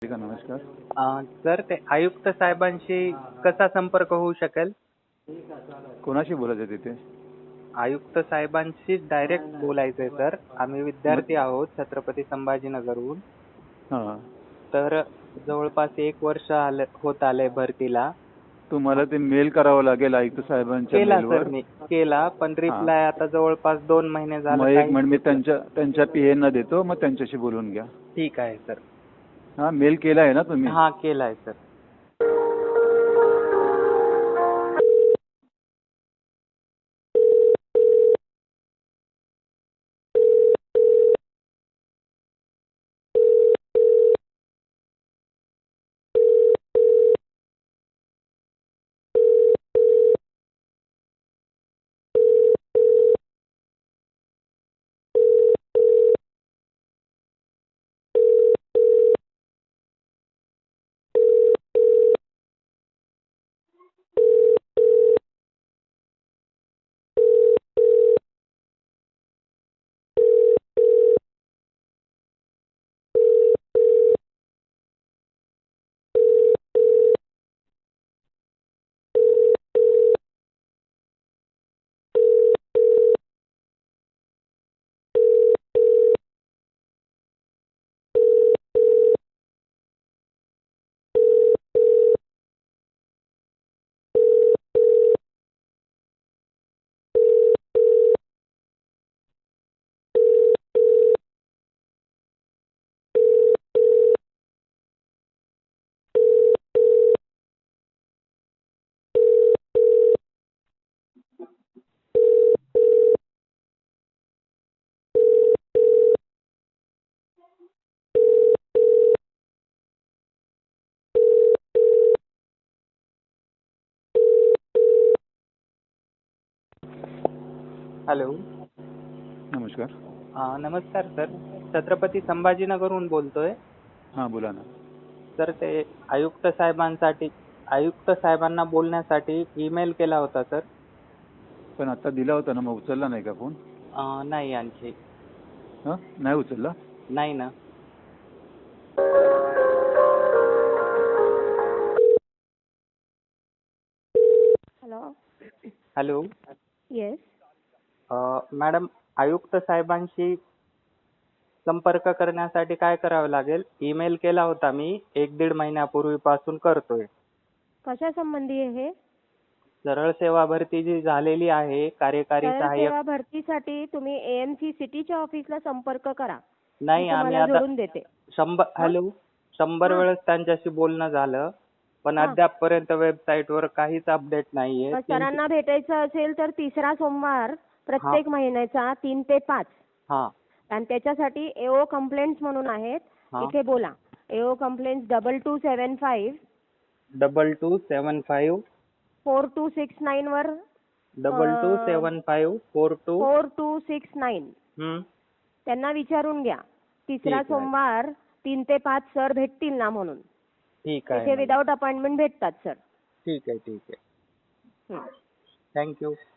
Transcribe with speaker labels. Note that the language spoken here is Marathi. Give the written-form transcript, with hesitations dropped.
Speaker 1: का? नमस्कार.
Speaker 2: सर ते आयुक्त साहेबांशी कसा संपर्क होऊ शकेल?
Speaker 1: कोणाशी बोलायचं तिथे?
Speaker 2: आयुक्त साहेबांशी डायरेक्ट बोलायचंय सर. आम्ही विद्यार्थी आहोत छत्रपती संभाजीनगरहून.
Speaker 1: हां.
Speaker 2: तर जवळपास 1 वर्ष होत आलंय भरतीला.
Speaker 1: तुम्हाला ते मेल करावं लागेल आयुक्त साहेबांच्या
Speaker 2: केला सर
Speaker 1: मेलवर.
Speaker 2: मी केला, पण
Speaker 1: हां.
Speaker 2: रिप्लाय आता जवळपास 2 महिने झालं
Speaker 1: मग एक
Speaker 2: काहीच
Speaker 1: मिनिट मी
Speaker 2: रिप्लाय.
Speaker 1: त्यांच्या पीएना देतो, मग त्यांच्याशी बोलून घ्या.
Speaker 2: ठीक आहे सर.
Speaker 1: हां, मेल केला आहे ना तुम्ही?
Speaker 2: हा केलाय सर. हॅलो.
Speaker 1: नमस्कार.
Speaker 2: नमस्कार सर. छत्रपती संभाजीनगरहून बोलतोय.
Speaker 1: हां, बोला ना.
Speaker 2: सर ते आयुक्त साहेबांना बोलण्यासाठी ईमेल केला होता सर.
Speaker 1: पण आता दिला होता ना, मग उचलला नाही का फोन?
Speaker 2: नाही आणखी.
Speaker 1: हां, नाही उचलला?
Speaker 2: नाही ना.
Speaker 3: हॅलो.
Speaker 2: हॅलो.
Speaker 3: येस.
Speaker 2: मॅडम, आयुक्त साहेबांशी संपर्क करण्यासाठी काय करावं लागेल? ईमेल केला होता मी 1-1.5 महिन्यापूर्वीपासून करतोय.
Speaker 3: कशा संबंधी आहे हे?
Speaker 2: सरळ सेवा भरती जी झालेली आहे कार्यकारी
Speaker 3: सरळ
Speaker 2: सहाय्यक.
Speaker 3: सेवा भरतीसाठी तुम्ही एएमसी सिटीच्या ऑफिसला संपर्क करा.
Speaker 2: नाही,
Speaker 3: मी
Speaker 2: आम्ही
Speaker 3: तुम्हाला
Speaker 2: आता
Speaker 3: जोडून देते.
Speaker 2: 100
Speaker 3: हां.
Speaker 2: वेळेस त्यांच्याशी बोलणं झालं, पण
Speaker 3: हां.
Speaker 2: अद्यापपर्यंत वेबसाईटवर काहीच अपडेट नाहीये.
Speaker 3: मग सरांना भेटायचं असेल तर 3रा सोमवार प्रत्येक महिन्याचा 3 ते 5
Speaker 2: हां,
Speaker 3: आणि त्याच्यासाठी एओ कंप्लेंट्स म्हणून आहेत.
Speaker 2: हां.
Speaker 3: इथे बोला. एओ कंप्लेंट्स 2275
Speaker 2: 2275
Speaker 3: 4269 वर
Speaker 2: 2275 42.
Speaker 3: 4269 त्यांना विचारून घ्या. 3रा
Speaker 2: आहे.
Speaker 3: सोमवार 3 ते 5 सर भेटतील ना म्हणून.
Speaker 2: ठीक आहे
Speaker 3: तिथे
Speaker 2: मॅडम.
Speaker 3: विदाउट अपॉइंटमेंट भेटतात सर.
Speaker 2: ठीक आहे.
Speaker 3: हं.
Speaker 2: थँक्यू.